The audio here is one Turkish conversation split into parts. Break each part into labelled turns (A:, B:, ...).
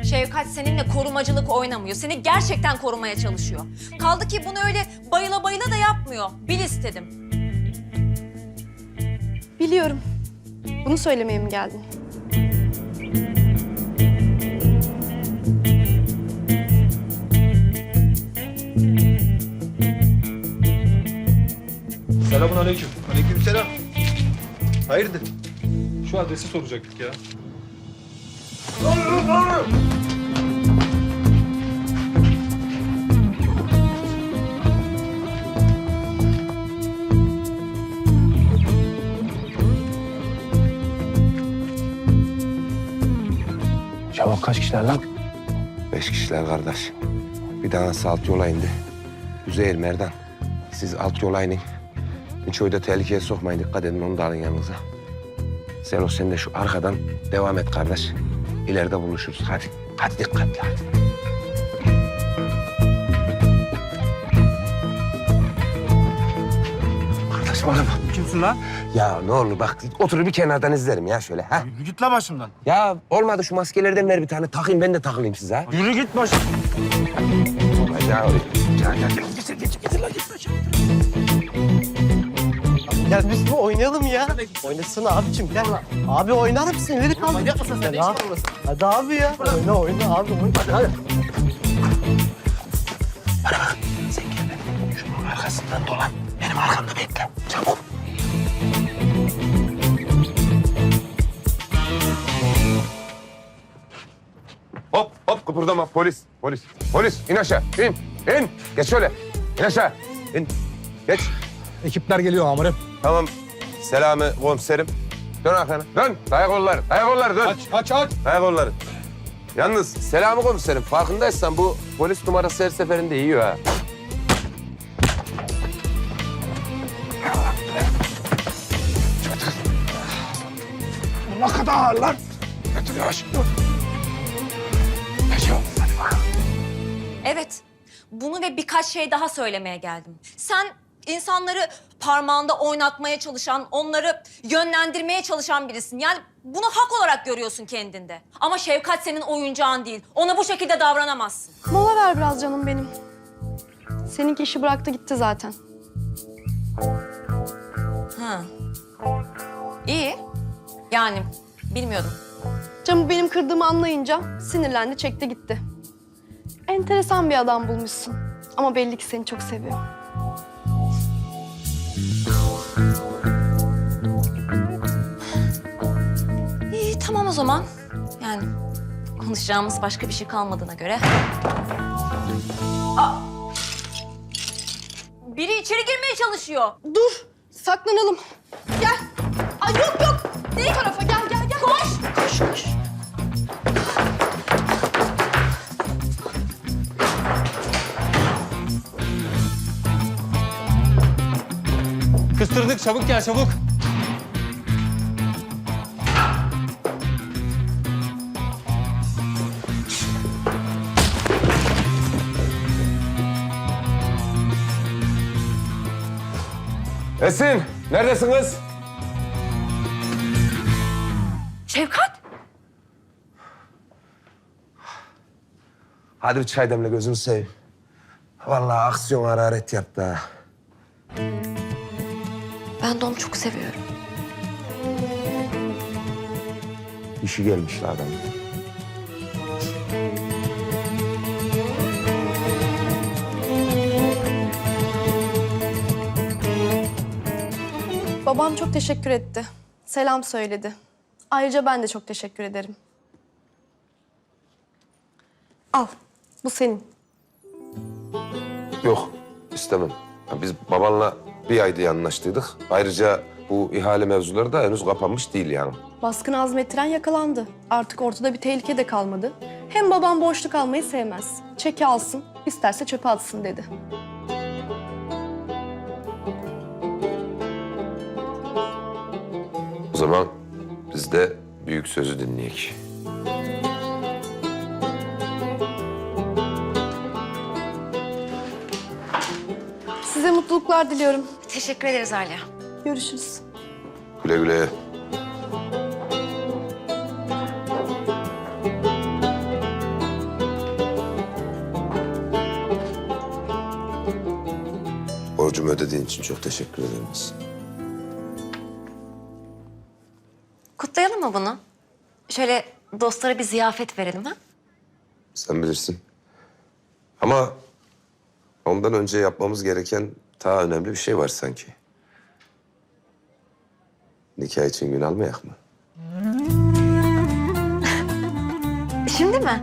A: Şevkat seninle korumacılık oynamıyor. Seni gerçekten korumaya çalışıyor. Kaldı ki bunu öyle bayıla bayıla da yapmıyor. Bil istedim.
B: Biliyorum. Bunu söylemeye mi geldin?
C: Selamünaleyküm.
D: Aleykümselam. Hayırdır?
C: Şu adresi soracaktık ya.
E: Şevap kaç kişiler lan?
D: 5 kişiler kardeş. Bir tanesi alt yola indi. Üzeyir, Merdan. Siz alt yola inin. Miço'yu da tehlikeye sokmayın. Dikkat edin, onu da alın yanınıza. Zelo sen de şu arkadan devam et kardeş. İleride buluşuruz. Hadi. Hadi dikkatli hadi. Kardeş bana bak.
E: Kimsin lan?
D: Ya ne olur bak oturup bir kenardan izlerim ya şöyle ha.
E: Yürü git la başımdan.
D: Ya olmadı şu maskelerden ver bir tane takayım ben de takılayım size ha.
E: Yürü git başım.
D: Ya getir lan git başım.
F: Gel biz bu oynayalım ya. Oynasana abicim gel lan. Abi oynar mısın? İleri kaldır. Manyak mısın sen? Hadi abi ya. Oyna abi oyna. Hadi.
D: Sen gel ben şunun arkasından dolan. Benim arkamda bekle. Çabuk. Hop hop kıpırdama polis. Polis in aşağı in. Geç şöyle. İn aşağı. İn. Geç.
E: Ekipler geliyor amirim.
D: Tamam. Selami komiserim. Dön arkana. Dön. Dayak kolları. Dön.
E: Aç.
D: Dayak kolları. Yalnız Selami komiserim farkındaysan bu polis numarası her seferinde yiyor ha.
E: Ne kadar ağır lan.
D: Götür yavaş. Geç yavrum. Hadi bakalım.
A: Evet, bunu ve birkaç şey daha söylemeye geldim. Sen insanları parmağında oynatmaya çalışan, onları yönlendirmeye çalışan birisin. Yani bunu hak olarak görüyorsun kendinde. Ama Şevkat senin oyuncağın değil. Ona bu şekilde davranamazsın.
B: Mola ver biraz canım benim. Seninki işi bıraktı gitti zaten.
A: Ha. İyi. Yani bilmiyordum.
B: Camı benim kırdığımı anlayınca sinirlendi, çekti gitti. Enteresan bir adam bulmuşsun. Ama belli ki seni çok seviyor.
A: İyi tamam o zaman. Yani konuşacağımız başka bir şey kalmadığına göre. Aa! Biri içeri girmeye çalışıyor.
B: Dur, saklanalım. Gel. Ay yok. Ne tarafa? Gel. Koş.
E: Kıstırdık çabuk gel çabuk.
D: Esin, neredesin kız?
A: Şevkat.
D: Hadi bir çay demle gözünü seveyim. Vallahi aksiyon hararet yaptı ha.
A: Ben de onu çok seviyorum.
D: İşi gelmiş la adamın.
B: Babam çok teşekkür etti. Selam söyledi. Ayrıca ben de çok teşekkür ederim. Al, bu senin.
D: Yok, istemem. Ya biz babanla bir ayda anlaştıydık. Ayrıca bu ihale mevzuları da henüz kapanmış değil yani.
B: Baskını azmettiren yakalandı. Artık ortada bir tehlike de kalmadı. Hem babam boşluk almayı sevmez. Çeki alsın, isterse çöpe atsın dedi.
D: O zaman biz de büyük sözü dinleyek.
B: Size mutluluklar diliyorum.
A: Teşekkür ederiz Alya.
B: Görüşürüz.
D: Güle güle. Borcumu ödediğin için çok teşekkür ederim.
A: Kutlayalım mı bunu? Şöyle dostlara bir ziyafet verelim ha?
D: Sen bilirsin. Ama ondan önce yapmamız gereken daha önemli bir şey var sanki. Nikah için gün almayak mı?
A: Şimdi mi?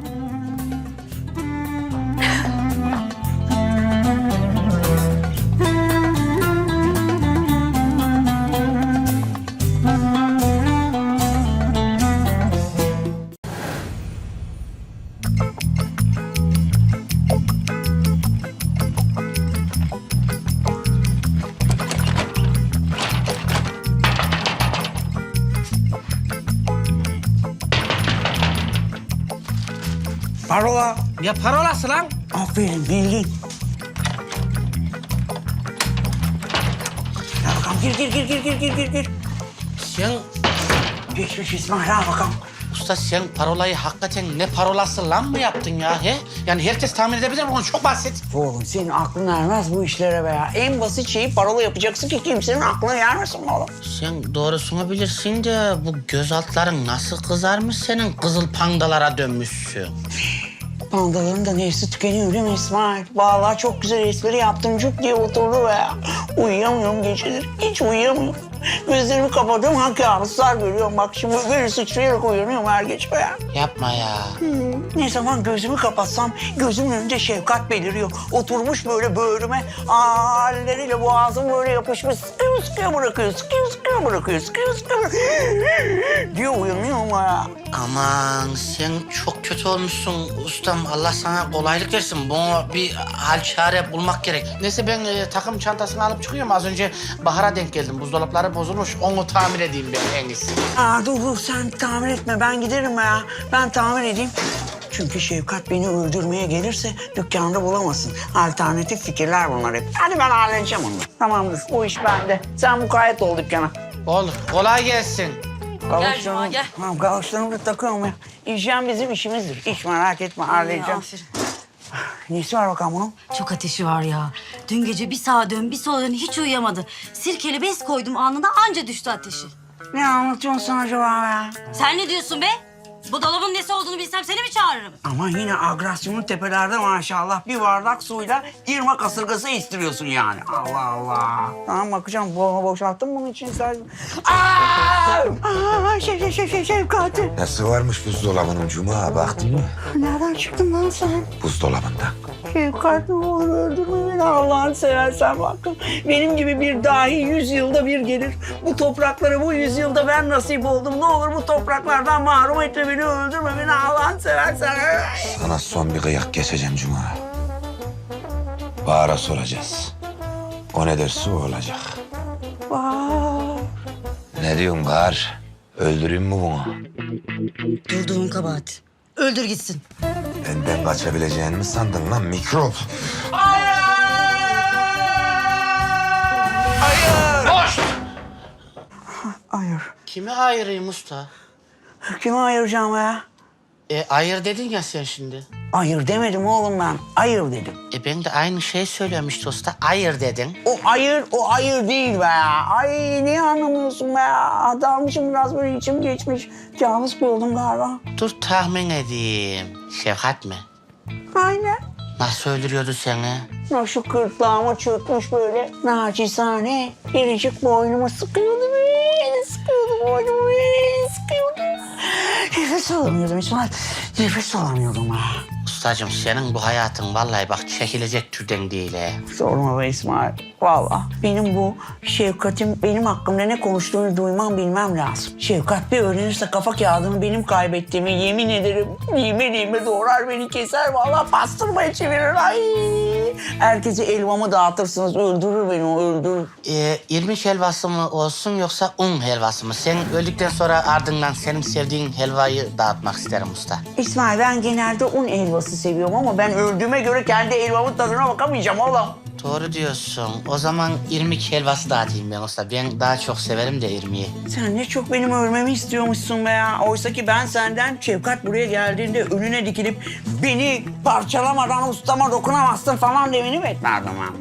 G: Parola.
H: Ya parolası lan?
G: Aferin bildin. Ya bakalım gir.
H: Sen
G: Geçmiş İsmail al bakalım.
H: usta sen parolayı hakikaten ne parolası lan mı yaptın ya he? Yani herkes tahmin edebilir mi? Bunu çok basit.
G: Oğlum senin aklın ermez bu işlere be ya. En basit şeyi parola yapacaksın ki kimsenin aklına gelmesin oğlum.
H: Sen doğrusunu bilirsin de bu göz altların nasıl kızarmış senin kızıl pandalara dönmüşsün.
G: Pandaların da nefsi tükeniyor değil mi İsmail? Vallahi çok güzel espri yaptım. Cuk diye oturdu be ya. Uyuyamıyorum geceleri. Hiç uyuyamıyorum. Gözlerimi kapatıyorum. Kabuslar görüyorum. Bak şimdi böyle sıçrayarak uyanıyorum her gece be ya.
H: Yapma ya.
G: Ne zaman gözümü kapatsam gözümün önünde Şefkat beliriyor. Oturmuş böyle böğrüme halleriyle boğazım böyle yapışmış. Sıkıyor bırakıyor, sıkıyor bırakıyor diye uyanıyorum ya.
H: Aman sen çok kötü olmuşsun ustam. Allah sana kolaylık versin. Bunu bir hal çare bulmak gerek. Neyse ben takım çantasını alıp çıkıyorum. Az önce Bahar'a denk geldim. Buzdolapları bozulmuş. Onu tamir edeyim ben en iyisi.
G: Dur sen tamir etme ben giderim ya. Ben tamir edeyim. Çünkü Şefkat beni öldürmeye gelirse dükkanda bulamasın. Alternatif fikirler bunlar hep. Hadi ben halledeceğim onu. Tamamdır o iş bende. Sen mukayyet ol dükkana.
H: Olur. Kolay gelsin.
A: Gel Cuma, gel.
G: Tamam galoşlarımı da takıyorum ya. İşlem bizim işimizdir. Hiç merak etme halledeceğim.
I: Aferin.
G: Nesi var bakalım bunun?
I: Çok ateşi var ya. Dün gece bir sağa dön bir sola dön hiç uyuyamadı. Sirkeli bez koydum anında anca düştü ateşi.
G: Ne anlatıyorsun sen acaba ya?
I: Sen ne diyorsun be? Bu dolabın nesi olduğunu bilsem seni mi çağırırım?
G: Ama yine agresyonun tepelerde maşallah. Bir bardak suyla irmak kasırgası istiriyorsun yani. Allah Allah. Tamam bakacağım. Boşalttın bunun için sen. Şefkat.
D: Nasıl varmış buzdolabının Cuma, baktın mı?
G: Nereden çıktın lan sen?
D: Buzdolabında.
G: Şefkat ne olur öldürme beni Allah'ını seversen bakın. Benim gibi bir dahi 100 yılda bir gelir. Bu topraklara bu 100 yılda ben nasip oldum. Ne olur bu topraklardan mahrum etme beni, öldürme beni Allah'ını seversen.
D: Sana son bir kıyak geçeceğim Cuma. Bahar'a soracağız. O ne derse o olacak.
G: Vay.
D: Ne diyorsun Bahar? Öldüreyim mi bunu?
I: Durduğun kabahat. Öldür gitsin.
D: Benden kaçabileceğini mi sandın lan mikrop?
G: Hayır.
H: Kime ayırayım usta?
G: Kime ayıracağım ya?
H: Ayır dedin ya sen şimdi.
G: Hayır demedim oğlum ben. Hayır dedim.
H: Ben de aynı şeyi söylüyorum işte usta. Ayır dedin.
G: O hayır değil be ya. Ay niye anlamıyorsun be ya? Dalmışım biraz böyle içim geçmiş. Cavız oldum galiba.
H: Dur tahmin edeyim. Şefkat mi?
G: Aynen.
H: Nasıl öldürüyordu seni?
G: Şu gırtlağıma çökmüş böyle naçizane. Biricik boynumu sıkıyordu böyle. Sıkıyordu boynumu böyle. Sıkıyordu. Nefes alamıyordum İsmail. Nefes alamıyordum ha.
H: Ustacığım senin bu hayatın vallahi bak çekilecek türden değil he.
G: Sorma be İsmail. Vallahi benim bu Şefkat'in benim hakkımda ne konuştuğunu duymam bilmem lazım. Şefkat bir öğrenirse kafa kağıdını benim kaybettiğimi yemin ederim. Lime doğrar beni keser. Vallahi pastırmaya çevirir. Ay. Herkese elmamı dağıtırsınız. Öldürür beni o öldürür.
H: İrmik helvası mı olsun yoksa un helvası mı? Sen öldükten sonra ardından senin sevdiğin helvayı dağıtmak isterim usta.
G: İsmail ben genelde un helvası seviyorum ama ben öldüğüme göre kendi helvamın tadına bakamayacağım oğlum.
H: Doğru diyorsun. O zaman irmik helvası dağıtayım ben usta. Ben daha çok severim de irmiği.
G: Sen ne çok benim ölmemi istiyormuşsun be ya. Oysa ki ben senden Şefkat buraya geldiğinde önüne dikilip beni parçalamadan ustama dokunamazsın falan demeni beklerdim ama.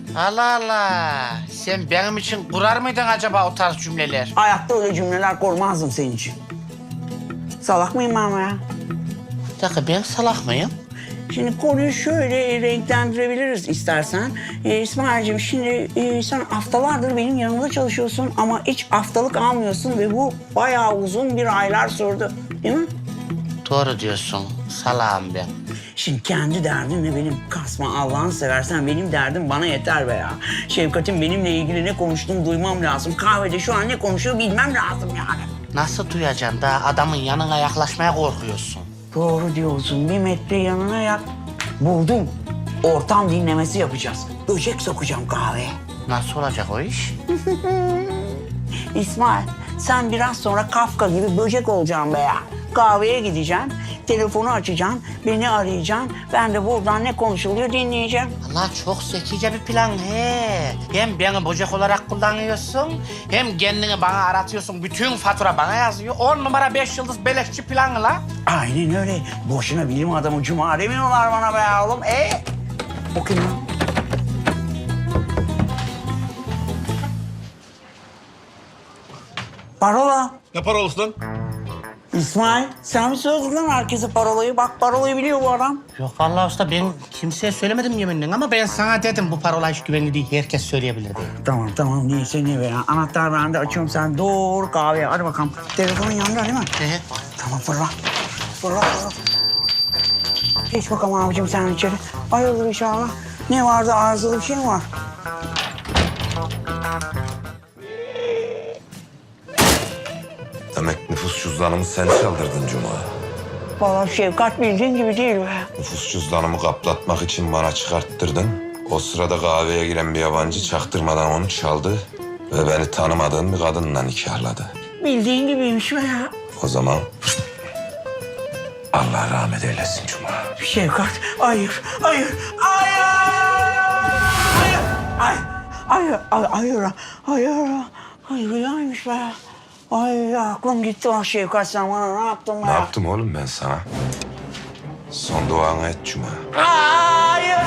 H: Allah Allah. Sen benim için kurar mıydın acaba o tarz cümleler?
G: Hayatta öyle cümleler kurmazdım senin için. Salak mıyım ben ya?
H: Bir dakika, ben salak mıyım?
G: Şimdi konuyu şöyle renklendirebiliriz istersen. İsmail'cim şimdi sen haftalardır benim yanımda çalışıyorsun ama hiç haftalık almıyorsun ve bu bayağı uzun bir aylar sürdü. Değil mi?
H: Doğru diyorsun. Salağım ben.
G: Şimdi kendi derdinle benim kasma Allah'ını seversen benim derdim bana yeter be ya. Şefkat'in benimle ilgili ne konuştuğunu duymam lazım. Kahvede şu an ne konuşuyor bilmem lazım yani.
H: Nasıl duyacaksın da adamın yanına yaklaşmaya korkuyorsun?
G: Doğru diyorsun. 1 metre yanına yak. Buldum. Ortam dinlemesi yapacağız. Böcek sokacağım kahveye.
H: Nasıl olacak o iş?
G: İsmail, sen biraz sonra Kafka gibi böcek olacaksın be ya. Kahveye gideceksin, telefonu açacaksın, beni arayacaksın. Ben de buradan ne konuşuluyor dinleyeceğim.
H: Allah, çok zekice bir plan he. Hem beni böcek olarak kullanıyorsun, hem kendini bana aratıyorsun. Bütün fatura bana yazıyor. 10 numara 5 yıldız beleşçi planı la.
G: Aynen öyle. Boşuna bilim adamı Cuma demiyorlar bana be oğlum. O kim lan? Parola.
E: Ne parolası lan?
G: İsmail, sen mi söyledin lan herkese parolayı? Bak parolayı biliyor bu adam.
H: Yok vallahi usta, ben kimseye söylemedim yeminle ama ben sana dedim bu parola hiç güvenli değil. Herkes söyleyebilir diye.
G: Tamam neyse ne be ya. Anahtar bende, açıyorum sen doğru kahveye. Hadi bakalım. Telefonun yanında değil mi?
H: Evet.
G: Tamam fırla. Fırla. Geç bakalım abicim sen içeri. Hayırdır inşallah. Ne vardı, arızalı bir şey mi var?
D: Demek nüfus cüzdanımı sen çaldırdın Cuma.
G: Vallahi Şefkat bildiğin gibi değil be.
D: Nüfus cüzdanımı kaplatmak için bana çıkarttırdın. O sırada kahveye giren bir yabancı çaktırmadan onu çaldı ve beni tanımadığım bir kadınla nikahladı.
G: Bildiğin gibiymiş be ya.
D: O zaman Allah rahmet eylesin Cuma.
G: Şefkat, hayır. Hayır, rüyaymış be. Ay aklım gitti ah Şefkat, sen bana ne yaptın be?
D: Ne yaptım oğlum ben sana? Son duanı et Cuma.
G: Hayır.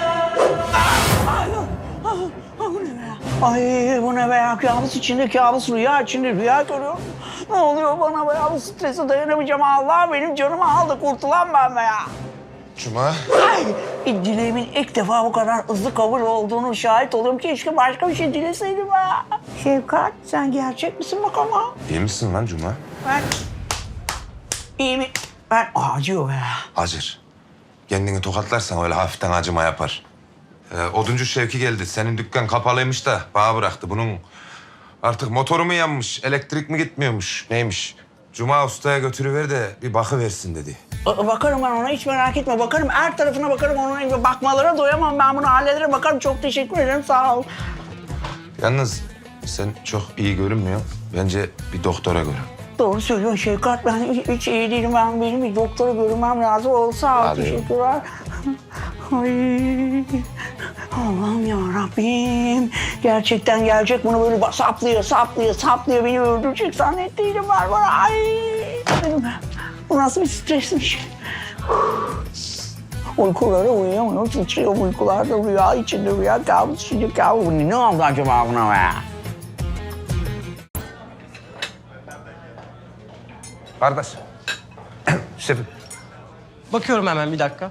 G: Ay bu ne be ya? Kabus içinde kabus, rüya içinde rüya görüyorum. Ne oluyor bana be ya? Bu strese dayanamayacağım. Allah benim canımı aldı. Kurtulan ben be ya.
D: Cuma.
G: Ay, dileğimin ilk defa bu kadar hızlı kabul olduğunu şahit oluyorum. Keşke başka bir şey dileseydim ha. Şefkat, sen gerçek misin bakalım ha?
D: İyi misin lan Cuma?
G: Ben... İyi mi? Ben... Acıyor be ya.
D: Acır. Kendini tokatlarsan öyle hafiften acıma yapar. Oduncu Şevki geldi. Senin dükkan kapalıymış da bana bıraktı. Bunun artık motoru mu yanmış, elektrik mi gitmiyormuş, neymiş? Cuma ustaya götürüver de bir bakıversin dedi.
G: Bakarım ben ona, hiç merak etme. Bakarım, her tarafına bakarım. Ona bakmalara doyamam. Ben bunu hallederim. Bakarım, çok teşekkür ederim. Sağ ol.
D: Yalnız sen çok iyi görünmüyor. Bence bir doktora görün.
G: Doğru söylüyorsun Şefkat. Ben hiç iyi değilim. Benim bir doktora görünmem lazım. Sağ ol,
D: Hadi.
G: teşekkürler. Ay, Allah'ım yarabbim. Gerçekten gelecek, bunu böyle saplıyor. Beni öldürecek zannettiydim ben bana. Ay, bu nasıl bir stresmiş. Uykuları uyuyamıyor, titriyor uykularda, rüya içinde rüya, kabus içinde kabus. Ne oldu acaba buna be?
D: Kardeş. Şefim.
F: Bakıyorum hemen bir dakika.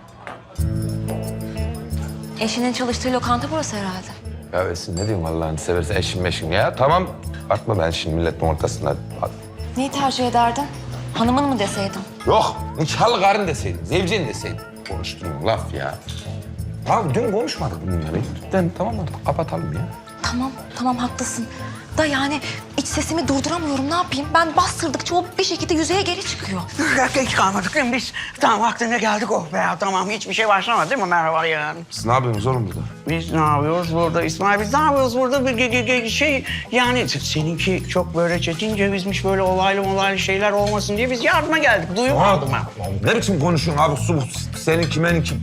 A: Eşinin çalıştığı lokanta burası herhalde.
D: Ya Esin ne diyeyim Allah'ını seversen eşim meşim ya. Tamam. Bakma ben şimdi milletin ortasında.
A: Neyi tercih ederdin? Hanımın mı deseydim?
D: Yok. Nikahlı karın deseydin. Zevcin deseydin. Konuştuğun laf ya. Tamam dün konuşmadık bunları. Tamam artık kapatalım ya.
A: Tamam haklısın. Da yani iç sesimi durduramıyorum, ne yapayım? Ben bastırdıkça o bir şekilde yüzeye geri çıkıyor.
G: Geç kalmadık değil mi biz? Tamam vaktinde geldik oh be ya. Tamam hiçbir şey başlamadı değil mi? Merhaba yani.
D: Siz ne yapıyorsunuz oğlum burada?
G: Biz ne yapıyoruz burada İsmail? Biz ne yapıyoruz burada? Bir şey yani seninki çok böyle çetin cevizmiş, böyle olaylı şeyler olmasın diye biz yardıma geldik. Duymadım ben.
D: Ne biçim konuşuyorsun abi? Seninki menimki.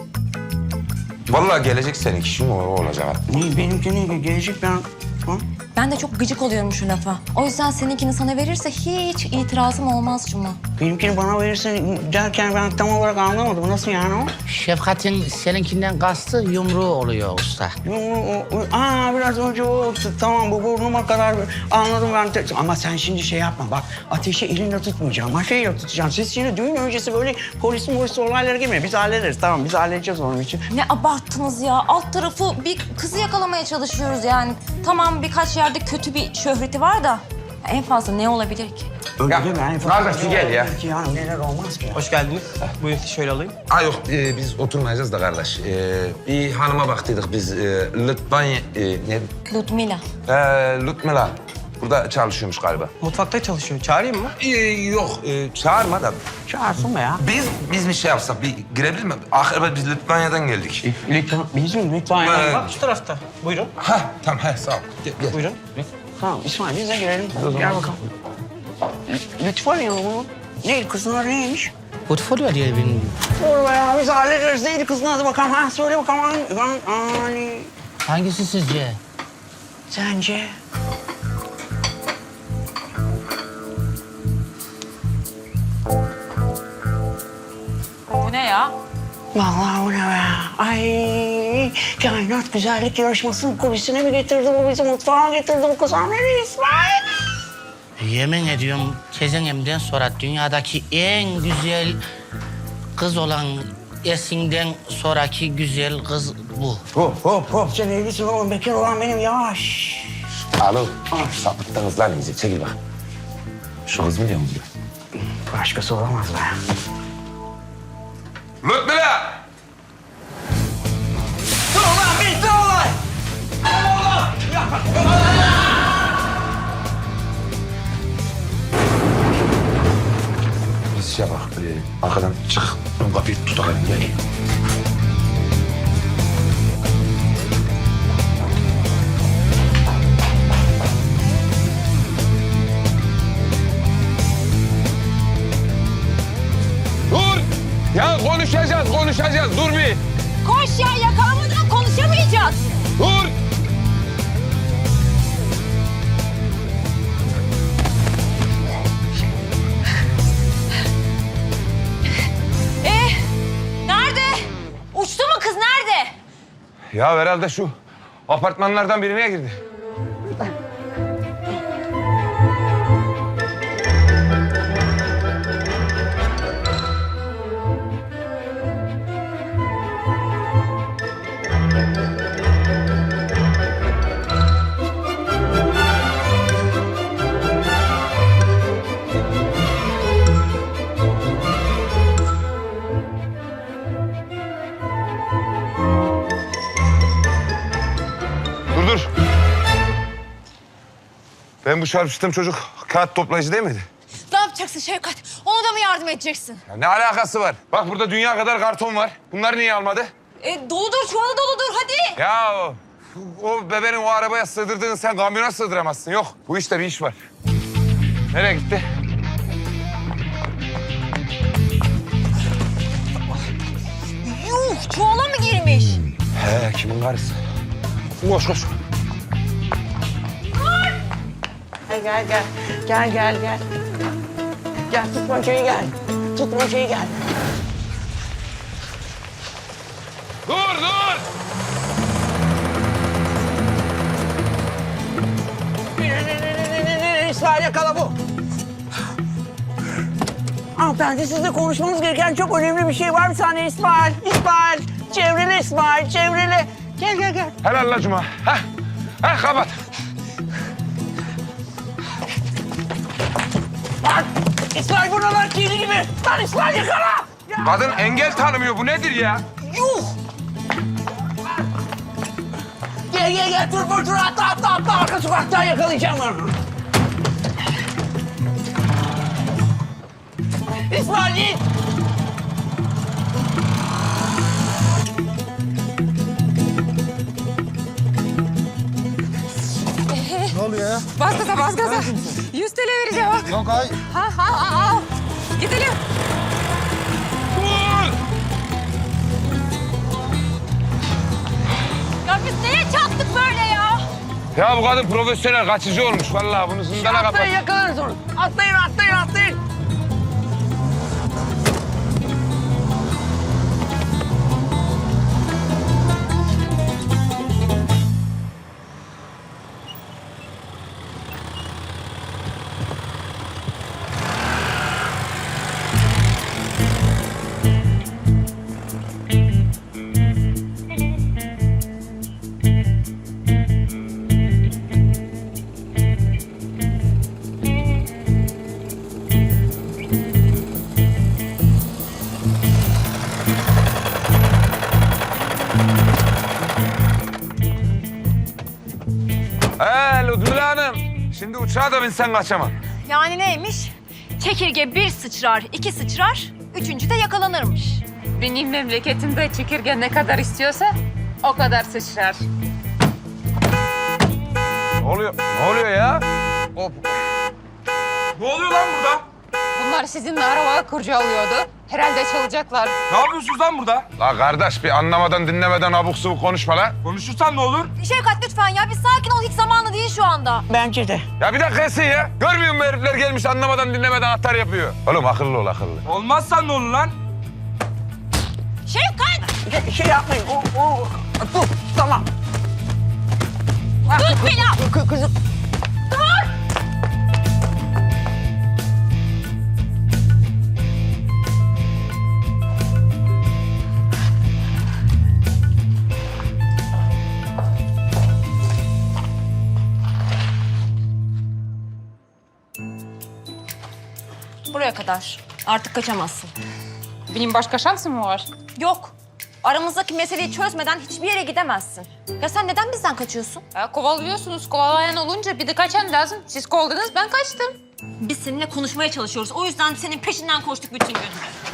D: Vallahi gelecek seninki. Şimdi o olacak.
G: Benimki ne? Gelecek ben... Ha?
A: Ben de çok gıcık oluyorum şu lafa. O yüzden seninkini sana verirse hiç itirazım olmaz Cuma.
G: Benimkini bana verirsen derken ben tam olarak anlamadım. Nasıl yani o?
H: Şefkat'in seninkinden kastı yumruğu oluyor usta.
G: Biraz önce o. Tamam bu burnuma kadar anladım ben. Ama sen şimdi şey yapma bak. Ateşi elinle tutmayacağım. Maşayla tutacağım. Siz şimdi düğün öncesi böyle polis olaylara girmeyin. Biz hallederiz. Tamam biz halledeceğiz onun için.
A: Ne abarttınız ya. Alt tarafı bir kızı yakalamaya çalışıyoruz yani. Tamam birkaç yerde kötü bir şöhreti var da en fazla ne olabilir ki?
G: Öyle
D: Ya,
G: deme. En
D: kardeş, bir gel ya.
G: Yani neler olmaz ki ya.
F: Hoş geldiniz. Buyurun şöyle alayım.
D: Ha yok biz oturmayacağız da kardeş. Bir hanıma baktıydık biz. Litvanya... ne?
A: Ludmila.
D: Ludmila. Burada çalışıyormuş galiba.
F: Mutfakta çalışıyor. Çağırayım mı?
D: Yok çağırma da.
G: Çağırsın be ya.
D: Biz bir şey yapsak bir girebilir mi? Ahir biz Litvanya'dan geldik.
G: Lütfen, bizim lütfen.
D: Evet.
F: Bak şu tarafta. Buyurun.
D: Ha tamam sağ ol. Gel.
F: Buyurun.
G: Tamam İsmail biz de girelim. Gel bakalım. Lütfen ya bu. Neydi kızın adı neymiş?
H: Portfolyo diye benim.
G: Doğru be ya biz hallederiz. Neydi kızın adı bakalım. Ha söyle bakalım. Ali.
H: Hangisi sizce?
G: Sence?
A: Bu ne ya?
G: Vallahi bu ne be? Ay kainat güzellik yarışmasının kulisine mi getirdi bu bizi? Mutfağa getirdi bu kız. Nereye İsmail?
H: Yemin ediyorum tezenemden sonra dünyadaki en güzel kız olan Esin'den sonraki güzel kız bu.
G: Hop. Sen evlisin oğlum. Bekar olan benim. Yavaş.
D: Alo. Sapıttınız lan iyice. Çekil bak. Şu kız mı diyor mu?
G: Başkası olamaz be.
D: Ludmila!
G: Dur ulan bitti olay.
D: Biz şey bak. Arkadan çık. Ön kapıyı tutalım. Gel. Dur! Ya konuşacağız. Dur bir.
A: Koş ya yakalamadan konuşamayacağız.
D: Dur!
A: Nerede? Uçtu mu kız nerede?
D: Ya herhalde şu apartmanlardan birine girdi. Dur. Ben bu çarpıştığım çocuk kağıt toplayıcı değil miydi?
A: Ne yapacaksın Şevkat? Ona da mı yardım edeceksin?
D: Ya ne alakası var? Bak burada dünya kadar karton var. Bunları niye almadı?
A: Doludur çuvalı doludur hadi.
D: Ya o bebeğin o arabaya sığdırdığını sen kamyona sığdıramazsın. Yok bu işte bir iş var. Nereye gitti?
A: Yuh çuvala mı girmiş?
D: He kimin karısı? Koş.
G: Gel. Gel tutmacayı gel.
D: Dur!
G: İsmail yakala bu. Hanımefendi sizle konuşmamız gereken çok önemli bir şey var. Bir saniye İsmail. Çevrili İsmail, çevrili. Gel.
D: Helal la Cuma. Heh kapat.
G: Lan İsmail buralar kirli gibi. Lan İsmail yakala. Ya.
D: Kadın engel tanımıyor. Bu nedir ya?
G: Yuh. Gel. Dur. Atla. Arka sokaktan yakalayacağım onu. İsmail git.
E: Ne oluyor ya?
A: Bas gaza. 100 TL vereceğim bak.
E: Yok ay.
A: Al. Gidelim.
D: Dur!
A: Ya biz neye çattık böyle ya?
D: Ya bu kadın profesyonel kaçıcı olmuş vallahi bunu zindana kapat.
G: Atlayın yakalarız onu. Atlayın.
D: Ludmila Hanım. Şimdi uçağa da binsen kaçamam.
A: Yani neymiş? Çekirge bir sıçrar, iki sıçrar, üçüncü de yakalanırmış.
J: Benim memleketimde çekirge ne kadar istiyorsa o kadar sıçrar.
D: Ne oluyor? Ne oluyor ya? Hop.
C: Ne oluyor lan burada?
J: Bunlar sizinle arabaya kurcalıyordu. Herhalde çalacaklar.
C: Ne yapıyorsunuz lan burada?
D: La kardeş bir anlamadan dinlemeden abuk subuk konuşma lan.
C: Konuşursan ne olur?
A: Şevkat lütfen ya, bir sakin ol. Hiç zamanı değil şu anda.
G: Bence de.
D: Ya bir dakika Esin ya. Görmüyor musun herifler gelmiş anlamadan dinlemeden atar yapıyor. Oğlum akıllı ol akıllı.
C: Olmazsan ne olur lan?
A: Şevkat!
G: Şey yapmayın. Dur. Tamam.
A: Tut beni!
G: Kızım.
A: Buraya kadar. Artık kaçamazsın.
J: Benim başka şansım mı var?
A: Yok. Aramızdaki meseleyi çözmeden hiçbir yere gidemezsin. Ya sen neden bizden kaçıyorsun?
J: Kovalıyorsunuz. Kovalayan olunca bir de kaçan lazım. Siz kovaladınız, ben kaçtım.
A: Biz seninle konuşmaya çalışıyoruz. O yüzden senin peşinden koştuk bütün gün.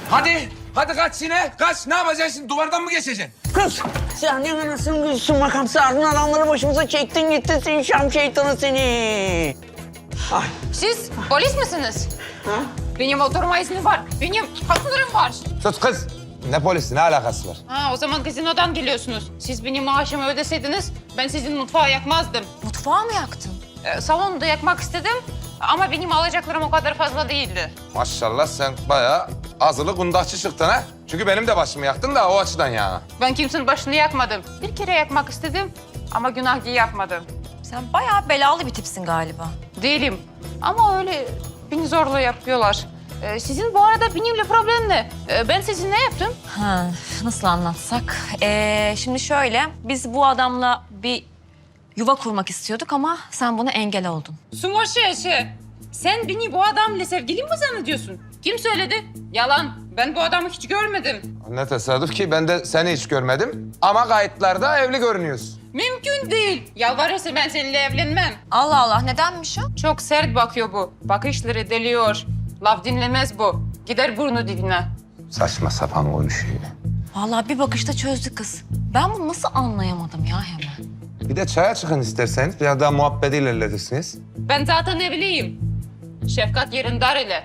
D: Hadi kaç yine. Kaç. Ne yapacaksın şimdi? Duvardan mı geçeceksin?
G: Kız sen ne anasını gözüsün makamsı ardın adamları başımıza çektin gittin seni Şam şeytanı seni. Ay.
J: Siz polis misiniz?
G: Ha?
J: Benim oturma iznim var. Benim haklarım var.
D: Sus kız. Ne polisi? Ne alakası var?
J: Ha, o zaman gazinodan geliyorsunuz. Siz benim maaşımı ödeseydiniz ben sizin mutfağı yakmazdım.
A: Mutfağı mı yaktın?
J: Salonu da yakmak istedim ama benim alacaklarım o kadar fazla değildi.
D: Maşallah sen bayağı azılı kundakçı çıktın ha. Çünkü benim de başımı yaktın da o açıdan ya.
J: Ben kimsenin başını yakmadım. Bir kere yakmak istedim ama günah diye yapmadım.
A: Sen bayağı belalı bir tipsin galiba.
J: Değilim ama öyle beni zorla yapıyorlar. Sizin bu arada benimle problem ne? Ben sizin ne yaptım?
A: Ha, nasıl anlatsak? Şimdi şöyle, biz bu adamla bir yuva kurmak istiyorduk ama sen buna engel oldun.
J: Sumoşeşe. Sen beni bu adamla sevgili mi zannediyorsun? Kim söyledi? Yalan. Ben bu adamı hiç görmedim.
D: Ne tesadüf ki ben de seni hiç görmedim. Ama kayıtlarda evli görünüyorsun.
J: Mümkün değil. Yalvarırsa ben seninle evlenmem.
A: Allah Allah, nedenmiş o?
J: Çok sert bakıyor bu. Bakışları deliyor. Laf dinlemez bu. Gider burnu dibine.
D: Saçma sapan konuşuyor.
A: Vallahi bir bakışta çözdü kız. Ben bunu nasıl anlayamadım ya hemen?
D: Bir de çaya çıkın isterseniz. Biraz daha muhabbeti ilerletirsiniz.
J: Ben zaten evliyim. Şefkat Yerindar ile.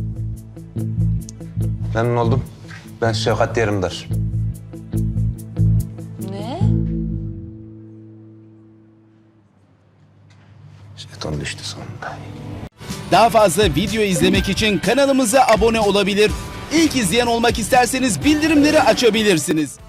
D: Memnun oldum. Ben Şevkat Yerimdar.
A: Ne?
D: Şeytan düştü sonunda.
K: Daha fazla video izlemek için kanalımıza abone olabilir. İlk izleyen olmak isterseniz bildirimleri açabilirsiniz.